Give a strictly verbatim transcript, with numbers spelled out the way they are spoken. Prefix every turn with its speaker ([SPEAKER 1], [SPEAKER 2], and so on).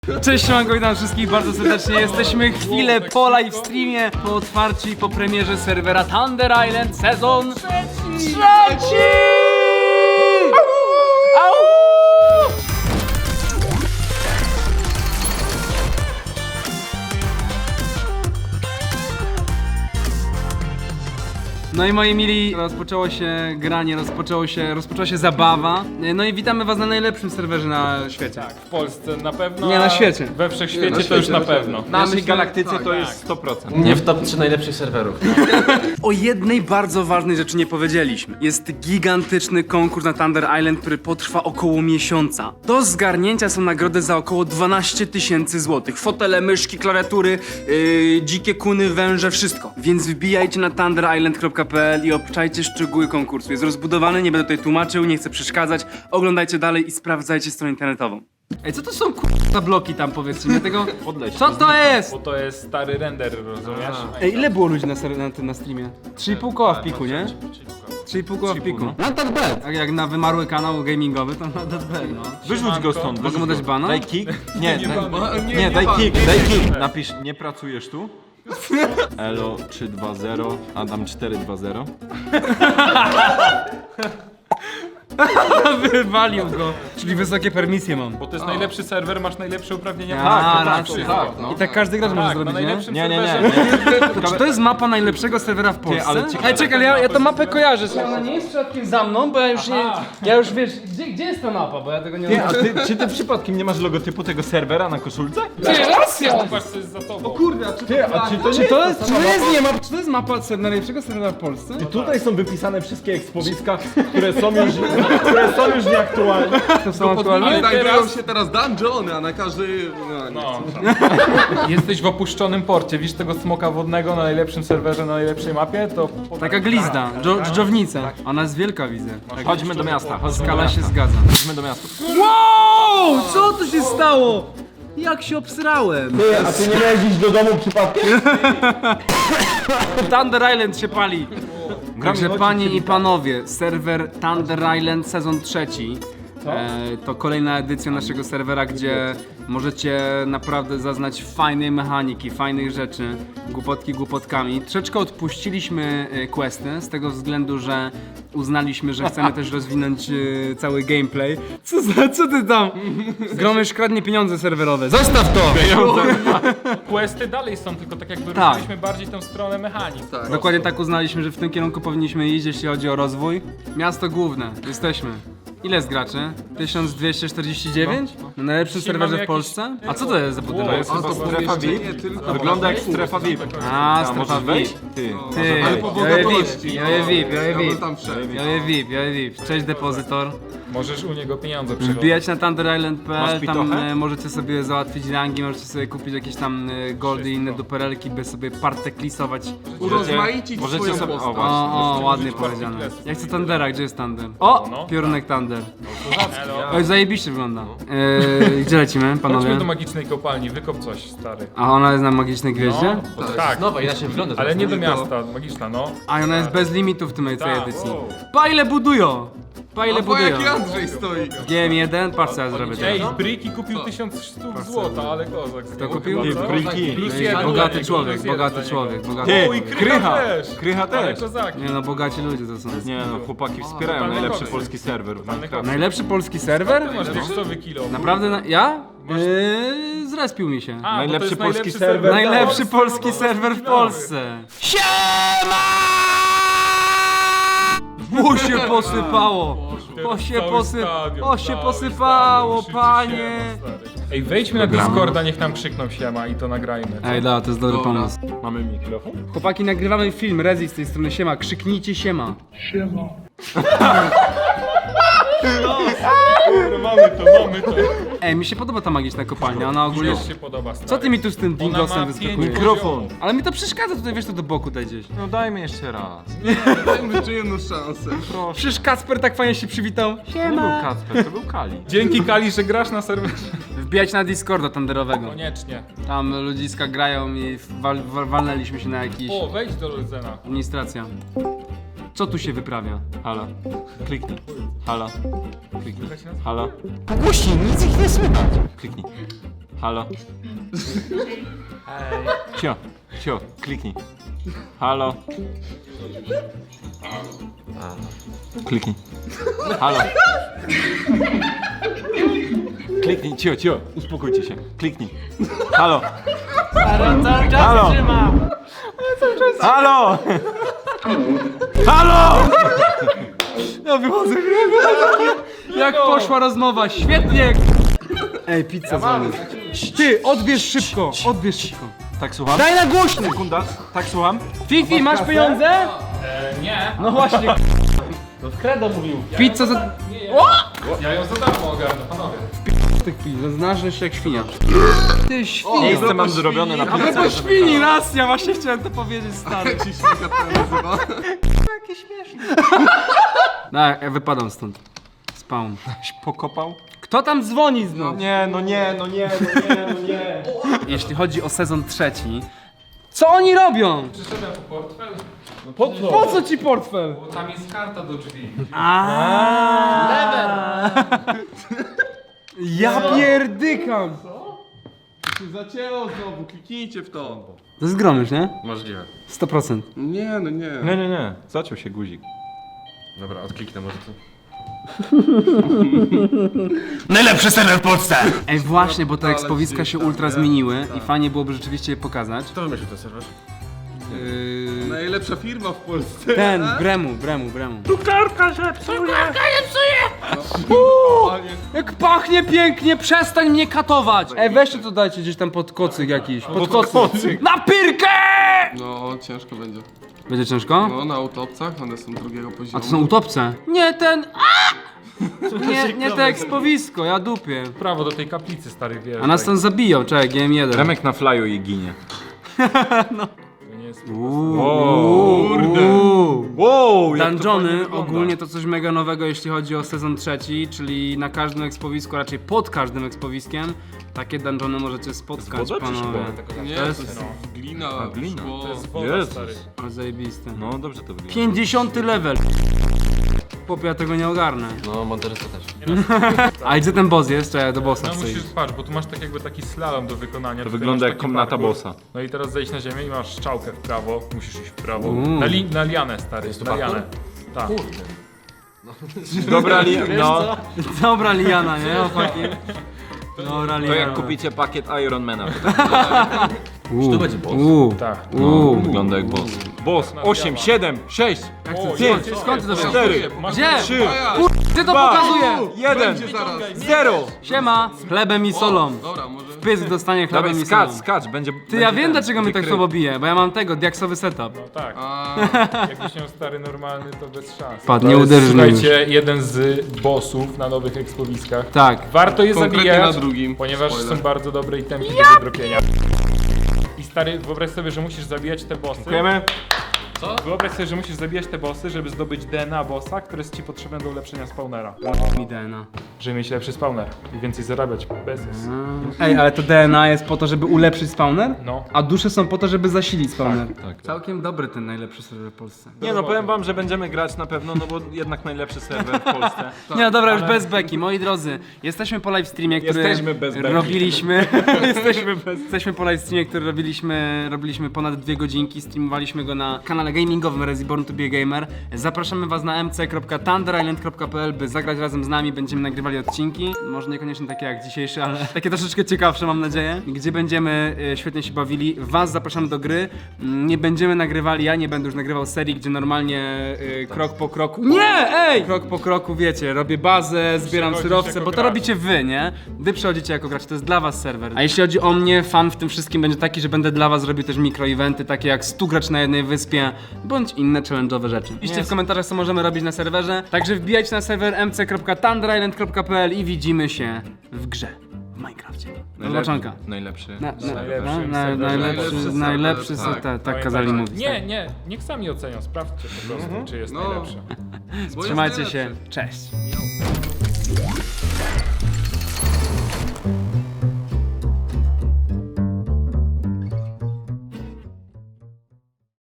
[SPEAKER 1] Cześć, siemanko, witam wszystkich bardzo serdecznie. Jesteśmy chwilę po live streamie, po otwarciu i po premierze serwera Thunder Island sezon trzeci! trzeci! Au! No i moi mili, rozpoczęło się granie, rozpoczęło się, rozpoczęła się zabawa. No i witamy was na najlepszym serwerze na świecie.
[SPEAKER 2] Tak, w Polsce na pewno.
[SPEAKER 1] Nie, na świecie.
[SPEAKER 2] We wszechświecie
[SPEAKER 3] Nie, na
[SPEAKER 2] to już
[SPEAKER 3] świecie,
[SPEAKER 2] na
[SPEAKER 3] na
[SPEAKER 2] pewno.
[SPEAKER 3] W naszej
[SPEAKER 1] myślę-
[SPEAKER 3] galaktyce
[SPEAKER 2] tak,
[SPEAKER 3] to
[SPEAKER 2] tak.
[SPEAKER 3] jest sto procent.
[SPEAKER 4] Nie w top trzy najlepszych serwerów.
[SPEAKER 1] O jednej bardzo ważnej rzeczy nie powiedzieliśmy. Jest gigantyczny konkurs na Thunder Island, który potrwa około miesiąca. Do zgarnięcia są nagrody za około dwanaście tysięcy złotych. Fotele, myszki, klawiatury, yy, dzikie kuny, węże, wszystko. Więc wbijajcie na thunder island kropka p l i obczajcie szczegóły konkursu. Jest rozbudowany, nie będę tutaj tłumaczył, nie chcę przeszkadzać. Oglądajcie dalej i sprawdzajcie stronę internetową. Ej, co to są k***a bloki tam, powiedzcie mi, tego...
[SPEAKER 3] Podleć.
[SPEAKER 1] Co to jest?
[SPEAKER 2] Bo to jest stary render, rozumiesz?
[SPEAKER 1] Ej, ile było ludzi na, ser- na tym na streamie? trzy i pół koła w piku, nie? trzy i pół koła w piku.
[SPEAKER 4] Not that bad.
[SPEAKER 1] Tak jak na wymarły kanał gamingowy, to na deadbell, no.
[SPEAKER 3] Wyrzuć go stąd.
[SPEAKER 1] Mogę mu dać bana?
[SPEAKER 3] Daj kick. Nie,
[SPEAKER 2] Nie
[SPEAKER 3] daj,
[SPEAKER 2] bana.
[SPEAKER 3] nie,
[SPEAKER 2] Nie,
[SPEAKER 3] daj
[SPEAKER 2] nie
[SPEAKER 3] kick,
[SPEAKER 2] bana.
[SPEAKER 3] daj kick. Napisz, nie pracujesz tu? Elo trzy dwa zero, Adam cztery dwa zero.
[SPEAKER 1] Wywalił go. Czyli wysokie permisje mam.
[SPEAKER 2] Bo to jest najlepszy serwer, masz najlepsze uprawnienia.
[SPEAKER 1] A,
[SPEAKER 2] tak,
[SPEAKER 1] racja.
[SPEAKER 2] wszystko.
[SPEAKER 3] tak, no.
[SPEAKER 1] I tak każdy gracz może
[SPEAKER 2] Tak, na
[SPEAKER 1] zrobić, nie?
[SPEAKER 2] najlepszym
[SPEAKER 3] Nie, nie, nie.
[SPEAKER 2] serwerze.
[SPEAKER 3] nie.
[SPEAKER 1] Czy to jest mapa najlepszego serwera w Polsce?
[SPEAKER 3] ale ciekawe-
[SPEAKER 1] Ej, czekaj, ja, ja tę mapę kojarzę. Ona nie jest przypadkiem za mną, bo ja już nie... Ja już wiesz, gdzie, gdzie jest ta mapa, bo ja tego nie
[SPEAKER 3] Ty,
[SPEAKER 1] mam.
[SPEAKER 3] a ty, czy ty przypadkiem nie masz logotypu tego serwera na koszulce?
[SPEAKER 2] Zobacz, co jest za tobą.
[SPEAKER 3] Ty, a czy to
[SPEAKER 1] Czy
[SPEAKER 3] nie
[SPEAKER 1] to jest, czy to jest, nie ma, czy to jest mapa ser- najlepszego serwera w Polsce?
[SPEAKER 3] Tutaj są wypisane wszystkie ekspowiska, które są już, które są już nieaktualne.
[SPEAKER 1] To są aktualne?
[SPEAKER 2] Ale
[SPEAKER 5] Znajdują
[SPEAKER 2] teraz-
[SPEAKER 5] się teraz dungeony, a na każdy... No, nie.
[SPEAKER 2] No. Jesteś w opuszczonym porcie, widzisz tego smoka wodnego na najlepszym serwerze, na najlepszej mapie, to...
[SPEAKER 1] Taka glizda, dżo- dżdżownica. Ona jest wielka, widzę.
[SPEAKER 3] Chodźmy do miasta, chodźmy do
[SPEAKER 1] Skala się
[SPEAKER 3] miasta.
[SPEAKER 1] zgadza.
[SPEAKER 3] Chodźmy do miasta.
[SPEAKER 1] Wow! Co tu się stało? Jak się obsrałem?
[SPEAKER 3] Ty, a ty nie miałeś iść do domu przypadkiem?
[SPEAKER 1] Thunder Island się pali. Także panie i panowie, serwer Thunder Island sezon trzeci. E, to kolejna edycja naszego serwera, gdzie możecie naprawdę zaznać fajnej mechaniki, fajnych rzeczy, głupotki głupotkami. Troszeczkę odpuściliśmy e, questy z tego względu, że uznaliśmy, że chcemy też rozwinąć e, cały gameplay. Co za, co ty tam? Gromysz kradnie pieniądze serwerowe. Zostaw to!
[SPEAKER 2] Questy dalej są, tylko tak jakby
[SPEAKER 1] Tak.
[SPEAKER 2] ruszyliśmy bardziej tą stronę mechanik.
[SPEAKER 5] Tak.
[SPEAKER 1] Dokładnie tak uznaliśmy, że w tym kierunku powinniśmy iść, jeśli chodzi o rozwój. Miasto główne, jesteśmy. Ile jest graczy? tysiąc dwieście czterdzieści dziewięć? Na najlepszym
[SPEAKER 2] Dzisiaj
[SPEAKER 1] serwerze
[SPEAKER 2] mamy
[SPEAKER 1] w Polsce?
[SPEAKER 2] jakiś-
[SPEAKER 1] A co to jest za
[SPEAKER 2] Wow,
[SPEAKER 1] budynek?
[SPEAKER 2] jest
[SPEAKER 5] A
[SPEAKER 3] Chyba
[SPEAKER 5] to
[SPEAKER 3] strefa V I
[SPEAKER 5] pomieszczenie
[SPEAKER 3] P.
[SPEAKER 5] tylko...
[SPEAKER 3] Wygląda jak strefa V I P.
[SPEAKER 1] A,
[SPEAKER 3] A
[SPEAKER 1] strefa
[SPEAKER 3] możesz
[SPEAKER 1] V I
[SPEAKER 3] wejść?
[SPEAKER 1] P.
[SPEAKER 3] Ty.
[SPEAKER 1] Ty,
[SPEAKER 5] Ale po
[SPEAKER 1] ja je V
[SPEAKER 5] bogatości.
[SPEAKER 1] I P, ja je V I P, ja je
[SPEAKER 5] Ja
[SPEAKER 1] V I
[SPEAKER 5] bym
[SPEAKER 1] P.
[SPEAKER 5] tam wszedł.
[SPEAKER 1] Ja je V I P, ja je V I P. Cześć depozytor.
[SPEAKER 2] Możesz u niego pieniądze przychodzić.
[SPEAKER 1] Wbijać na thunder island kropka p l,
[SPEAKER 3] Masz
[SPEAKER 1] tam
[SPEAKER 3] pitochę?
[SPEAKER 1] e, możecie sobie załatwić rangi, możecie sobie kupić jakieś tam e, goldy i inne duperelki, by sobie parteklisować.
[SPEAKER 5] Urozmaicić
[SPEAKER 3] Możecie
[SPEAKER 5] swoją
[SPEAKER 3] sobie- o,
[SPEAKER 5] postać.
[SPEAKER 3] właśnie.
[SPEAKER 1] O, o, ładnie
[SPEAKER 2] użyć
[SPEAKER 1] powiedziane.
[SPEAKER 2] partyklesów.
[SPEAKER 1] Ja chcę Thundera, gdzie jest Thunder? O!
[SPEAKER 2] No.
[SPEAKER 1] Piorunek Thunder.
[SPEAKER 2] Elo.
[SPEAKER 1] Oj, zajebiście wygląda. Eee, gdzie lecimy, panowie?
[SPEAKER 2] Chodźmy do magicznej kopalni, wykop coś, stary.
[SPEAKER 1] A ona jest na magicznej gwieździe?
[SPEAKER 2] No, tak,
[SPEAKER 4] Nowa, inaczej wygląda.
[SPEAKER 2] ale nie do
[SPEAKER 5] Nie to.
[SPEAKER 2] miasta, magiczna, no.
[SPEAKER 1] A ona jest bez limitów w tym tej
[SPEAKER 2] Tak,
[SPEAKER 1] edycji.
[SPEAKER 2] wow.
[SPEAKER 1] Pa ile budują! Pa ile
[SPEAKER 5] A bo
[SPEAKER 1] budują!
[SPEAKER 5] jaki Andrzej stoi.
[SPEAKER 1] G M jeden, patrz co ja zrobię
[SPEAKER 2] Ej,
[SPEAKER 1] teraz.
[SPEAKER 2] Briki kupił tysiąc sztuk złota, ale kozak.
[SPEAKER 1] Kto kupił?
[SPEAKER 2] Chyba, co?
[SPEAKER 3] Briki.
[SPEAKER 2] Plus
[SPEAKER 1] Ej,
[SPEAKER 2] jeden
[SPEAKER 1] bogaty
[SPEAKER 2] dla
[SPEAKER 1] człowiek,
[SPEAKER 2] niego, plus
[SPEAKER 1] bogaty
[SPEAKER 2] jeden
[SPEAKER 1] człowiek,
[SPEAKER 2] dla
[SPEAKER 1] bogaty.
[SPEAKER 3] Ty,
[SPEAKER 2] O, i Krycha
[SPEAKER 3] Krycha.
[SPEAKER 2] też.
[SPEAKER 3] Krycha
[SPEAKER 2] Ale
[SPEAKER 3] też.
[SPEAKER 2] kozaki.
[SPEAKER 1] Nie no, bogaci ludzie to są.
[SPEAKER 3] Nie no, chłopaki wspierają
[SPEAKER 2] totalny
[SPEAKER 3] najlepszy
[SPEAKER 2] koks.
[SPEAKER 3] polski serwer w Minecraft.
[SPEAKER 1] Najlepszy polski serwer?
[SPEAKER 2] Ty masz tekstowy kilo.
[SPEAKER 1] Naprawdę? Na... Ja? Eee, zrespił mi się.
[SPEAKER 2] A, bo to
[SPEAKER 3] Najlepszy
[SPEAKER 2] jest
[SPEAKER 3] polski serwer.
[SPEAKER 1] Najlepszy
[SPEAKER 2] w
[SPEAKER 1] polski
[SPEAKER 2] Polsce,
[SPEAKER 1] serwer w
[SPEAKER 2] no,
[SPEAKER 1] Polsce. Siema! O się posypało! O się
[SPEAKER 2] Cały
[SPEAKER 1] posy...
[SPEAKER 2] stadion,
[SPEAKER 1] O się
[SPEAKER 2] cały
[SPEAKER 1] posypało,
[SPEAKER 2] stadion krzyczy
[SPEAKER 1] panie!
[SPEAKER 2] siema, stary. Ej, wejdźmy na Discorda, niech nam krzykną siema i to nagrajmy. co?
[SPEAKER 1] Ej, da, to jest dobry
[SPEAKER 5] Dobra.
[SPEAKER 1] pomysł.
[SPEAKER 3] Mamy mikrofon?
[SPEAKER 1] Chłopaki, nagrywamy film, Rezi z tej strony, siema, krzyknijcie siema.
[SPEAKER 2] Mamy to, mamy to.
[SPEAKER 1] Ej, mi się podoba ta magiczna kopalnia, ona ogólnie...
[SPEAKER 2] Już się podoba, stary.
[SPEAKER 1] Co ty mi tu z tym
[SPEAKER 2] Ona
[SPEAKER 1] dingosem
[SPEAKER 2] ma
[SPEAKER 1] wyskakuje?
[SPEAKER 2] pięć
[SPEAKER 3] Mikrofon.
[SPEAKER 1] Ale mi to przeszkadza, tutaj wiesz, to do boku daj gdzieś.
[SPEAKER 3] No dajmy jeszcze raz.
[SPEAKER 5] Dajmy jeszcze jedną szansę.
[SPEAKER 1] Przecież Kacper tak fajnie się przywitał.
[SPEAKER 3] To nie był Kacper, to był Kali.
[SPEAKER 2] Dzięki Kali, że grasz na serwerze.
[SPEAKER 1] Wbijać na Discorda Thunderowego.
[SPEAKER 2] Koniecznie.
[SPEAKER 1] Tam ludziska grają i wal, wal, walnęliśmy się na jakiś...
[SPEAKER 2] O, wejdź do Luzena.
[SPEAKER 1] Administracja. Co tu się wyprawia?
[SPEAKER 3] Halo. Kliknij. Halo. Kliknij.
[SPEAKER 2] Jak się nazywa?
[SPEAKER 3] Halo. Pogłośnij, nic ich nie słychać. Kliknij. Halo. Cio, cio, kliknij. Halo. Kliknij. Halo. Kliknij, cio, cio, uspokójcie się. Kliknij. Halo. Halo. Halo. Halo.
[SPEAKER 1] Ja wychodzę, jak poszła rozmowa, świetnie! Ej, pizza dzwoni. Ty, odbierz szybko, odbierz szybko.
[SPEAKER 3] Tak, słucham?
[SPEAKER 1] Daj na głośno!
[SPEAKER 3] Sekunda. Tak, słucham?
[SPEAKER 1] Fifi, masz pieniądze?
[SPEAKER 2] E, nie.
[SPEAKER 1] No właśnie.
[SPEAKER 4] No Kredo mówił.
[SPEAKER 1] Pizza za...
[SPEAKER 2] Ja ją za darmo ogarnę, panowie.
[SPEAKER 1] Tych pizza, znasz się jak świnia. Ty świnia.
[SPEAKER 3] Miejsce mam zrobione na
[SPEAKER 1] A
[SPEAKER 3] pizzę.
[SPEAKER 1] propos świni, raz, ja właśnie chciałem to powiedzieć, stary.
[SPEAKER 5] Jak się świnka to nazywa?
[SPEAKER 1] No, ja wypadam stąd. Spawn.
[SPEAKER 3] Pokopał?
[SPEAKER 1] Kto tam dzwoni znów?
[SPEAKER 3] Nie, no nie, no nie, no nie, no nie.
[SPEAKER 1] Jeśli chodzi o sezon trzeci, co oni robią?
[SPEAKER 2] Przyszedłem po portfel,
[SPEAKER 1] Po, po co ci portfel?
[SPEAKER 2] bo tam jest karta do drzwi.
[SPEAKER 1] Ja pierdykam.
[SPEAKER 5] Się zacięło znowu, kliknijcie w to.
[SPEAKER 1] To jest gromysz, nie?
[SPEAKER 4] Możliwe.
[SPEAKER 1] sto procent.
[SPEAKER 5] Nie, no nie.
[SPEAKER 3] Nie, nie, nie. Zaciął się guzik.
[SPEAKER 4] Dobra, odkliknę może tu.
[SPEAKER 6] Najlepszy serwer w Polsce!
[SPEAKER 1] Ej, właśnie, bo te
[SPEAKER 5] Ale
[SPEAKER 1] ekspowiska się
[SPEAKER 5] gdzieś tam,
[SPEAKER 1] ultra
[SPEAKER 5] nie?
[SPEAKER 1] zmieniły i fajnie byłoby rzeczywiście je pokazać.
[SPEAKER 4] Kto wymyślił ten serwer?
[SPEAKER 1] Yy...
[SPEAKER 5] Najlepsza firma w Polsce.
[SPEAKER 1] Ten, Bremu, Bremu, Bremu. Jak pachnie pięknie, przestań mnie katować! Ej, weźcie to dajcie gdzieś tam pod kocyk jakiś, pod kocyk. Na pyrkę!
[SPEAKER 5] No, ciężko będzie.
[SPEAKER 1] Będzie ciężko?
[SPEAKER 5] No, na autopcach, one są drugiego poziomu.
[SPEAKER 1] A to są utopce? Nie ten... A! Nie, nie te ekspowisko, ja dupię.
[SPEAKER 2] Prawo do tej kaplicy, stary, wiesz.
[SPEAKER 1] A nas tam zabiją, czekaj, G M jeden.
[SPEAKER 3] Remek na flyu i ginie.
[SPEAKER 2] To nie jest...
[SPEAKER 1] Kurde.
[SPEAKER 3] Wow, jak to
[SPEAKER 1] Dungeony
[SPEAKER 3] fajnie wygląda.
[SPEAKER 1] ogólnie to coś mega nowego, jeśli chodzi o sezon trzeci, czyli na każdym ekspowisku, raczej pod każdym ekspowiskiem, takie dungeony możecie spotkać,
[SPEAKER 3] woda czy
[SPEAKER 1] panowie.
[SPEAKER 3] szkło?
[SPEAKER 5] Nie,
[SPEAKER 1] To
[SPEAKER 5] to
[SPEAKER 1] jest-
[SPEAKER 5] jest glina,
[SPEAKER 3] glina.
[SPEAKER 5] szkło.
[SPEAKER 2] To jest woda,
[SPEAKER 3] Jezus.
[SPEAKER 2] stary.
[SPEAKER 1] Ale zajebiste.
[SPEAKER 3] No dobrze to wygląda.
[SPEAKER 1] pięćdziesiąty level. Chłopie, ja tego nie ogarnę.
[SPEAKER 4] No, Monteresta też.
[SPEAKER 1] A gdzie ten boss jest? Czekaj, do bossa
[SPEAKER 2] No
[SPEAKER 1] chcę
[SPEAKER 2] musisz,
[SPEAKER 1] iść.
[SPEAKER 2] patrz, bo tu masz tak jakby taki slalom do wykonania.
[SPEAKER 3] To
[SPEAKER 2] Tutaj
[SPEAKER 3] wygląda
[SPEAKER 2] masz
[SPEAKER 3] jak
[SPEAKER 2] taki
[SPEAKER 3] komnata
[SPEAKER 2] parkour.
[SPEAKER 3] bossa.
[SPEAKER 2] No i teraz zejdź na ziemię i masz strzałkę w prawo, musisz iść w prawo.
[SPEAKER 1] Uuu.
[SPEAKER 2] Na, li, na lianę, stary,
[SPEAKER 4] Jest tu
[SPEAKER 2] na lianę.
[SPEAKER 4] parkour?
[SPEAKER 2] Tak.
[SPEAKER 4] Kurde.
[SPEAKER 3] Dobra, li- no.
[SPEAKER 1] Dobra liana, nie? Chłopaki. Dobra
[SPEAKER 3] To
[SPEAKER 1] liana.
[SPEAKER 3] jak kupicie pakiet Ironmana.
[SPEAKER 1] Uuu,
[SPEAKER 4] to będzie boss?
[SPEAKER 1] uuu,
[SPEAKER 2] Tak.
[SPEAKER 1] uuu.
[SPEAKER 3] Wygląda jak boss. Boss, osiem, siedem, sześć,
[SPEAKER 2] O,
[SPEAKER 1] Skąd,
[SPEAKER 2] jest,
[SPEAKER 1] skąd ty to wiesz?
[SPEAKER 3] cztery,
[SPEAKER 1] Gdzie?
[SPEAKER 3] trzy,
[SPEAKER 1] Ty to
[SPEAKER 3] dwa,
[SPEAKER 1] pokazuje!
[SPEAKER 3] jeden,
[SPEAKER 5] Będzie zaraz.
[SPEAKER 3] zero.
[SPEAKER 1] Siema, chlebem i solą.
[SPEAKER 5] Dobra, może...
[SPEAKER 1] Pysk dostanie chlebem
[SPEAKER 3] Dawaj,
[SPEAKER 1] i solą.
[SPEAKER 3] skacz, skacz, będzie...
[SPEAKER 1] Ty, ja wiem dlaczego mnie tak słabo bije, bo ja mam tego, diaksowy setup.
[SPEAKER 2] No tak.
[SPEAKER 5] A,
[SPEAKER 2] Jakbyś miał stary normalny, to bez szans.
[SPEAKER 1] Padł,
[SPEAKER 2] To
[SPEAKER 1] nie
[SPEAKER 2] jest,
[SPEAKER 1] uderzysz mnie już.
[SPEAKER 2] Słuchajcie, jeden z bossów na nowych ekspowiskach.
[SPEAKER 1] Tak.
[SPEAKER 2] Warto je
[SPEAKER 5] Konkretnie
[SPEAKER 2] zabijać,
[SPEAKER 5] na drugim.
[SPEAKER 2] ponieważ
[SPEAKER 5] Spoiler.
[SPEAKER 2] są bardzo dobre itemki do wydropienia. I stary, wyobraź sobie, że musisz zabijać te bossy.
[SPEAKER 3] Dziękujemy.
[SPEAKER 2] Wyobraź sobie, że musisz zabijać te bossy, żeby zdobyć D N A bossa, które jest ci potrzebne do ulepszenia spawnera.
[SPEAKER 1] Mi D N A.
[SPEAKER 2] Żeby mieć lepszy spawner i więcej zarabiać. Bezes.
[SPEAKER 1] Ej, ale to D N A jest po to, żeby ulepszyć spawner?
[SPEAKER 2] No.
[SPEAKER 1] A dusze są po to, żeby zasilić spawner.
[SPEAKER 3] tak.
[SPEAKER 1] Całkiem dobry ten najlepszy serwer w Polsce.
[SPEAKER 3] Nie no, powiem wam, że będziemy grać na pewno, no bo jednak najlepszy serwer w Polsce.
[SPEAKER 1] Nie no dobra, już bez beki. Moi drodzy, jesteśmy po live streamie, który
[SPEAKER 3] Jesteśmy bez beki.
[SPEAKER 1] robiliśmy. jesteśmy, bez... jesteśmy po live streamie, który robiliśmy, robiliśmy ponad dwie godzinki. Streamowaliśmy go na kanale gamingowym Reborn to be a Gamer. Zapraszamy was na m c kropka thunder island kropka p l, by zagrać razem z nami. Będziemy nagrywali odcinki. Może niekoniecznie takie jak dzisiejszy, ale takie troszeczkę ciekawsze, mam nadzieję. Gdzie będziemy e, świetnie się bawili. Was zapraszamy do gry. Mm, Nie będziemy nagrywali, ja nie będę już nagrywał serii, gdzie normalnie e, krok po kroku. Nie! Ej! Krok po kroku, wiecie, robię bazę, zbieram
[SPEAKER 2] Przechodzisz
[SPEAKER 1] surowce,
[SPEAKER 2] jako
[SPEAKER 1] bo to
[SPEAKER 2] gracz.
[SPEAKER 1] robicie wy, nie? Wy przychodzicie jako gracz, to jest dla was serwer. A jeśli chodzi o mnie, fan w tym wszystkim będzie taki, że będę dla was robił też mikroeventy, takie jak stu gracz na jednej wyspie, bądź inne challenge'owe rzeczy. Piszcie w komentarzach, co możemy robić na serwerze. Także wbijajcie na serwer m c kropka thunder island kropka p l i widzimy się w grze w Minecrafcie. Zobaczonka.
[SPEAKER 3] Najlepszy.
[SPEAKER 1] Na, na,
[SPEAKER 2] Najlepszym
[SPEAKER 1] na, na,
[SPEAKER 2] serwerze.
[SPEAKER 1] najlepszy,
[SPEAKER 5] Najlepszy
[SPEAKER 1] najlepszy,
[SPEAKER 5] serwer,
[SPEAKER 1] tak,
[SPEAKER 5] tak.
[SPEAKER 1] tak, tak kazali mówić.
[SPEAKER 2] Nie, nie, niech sami ocenią, sprawdźcie po prostu, czy jest
[SPEAKER 5] No.
[SPEAKER 2] najlepszy.
[SPEAKER 5] bo jest
[SPEAKER 1] Trzymajcie
[SPEAKER 5] najlepszy.
[SPEAKER 1] się, cześć.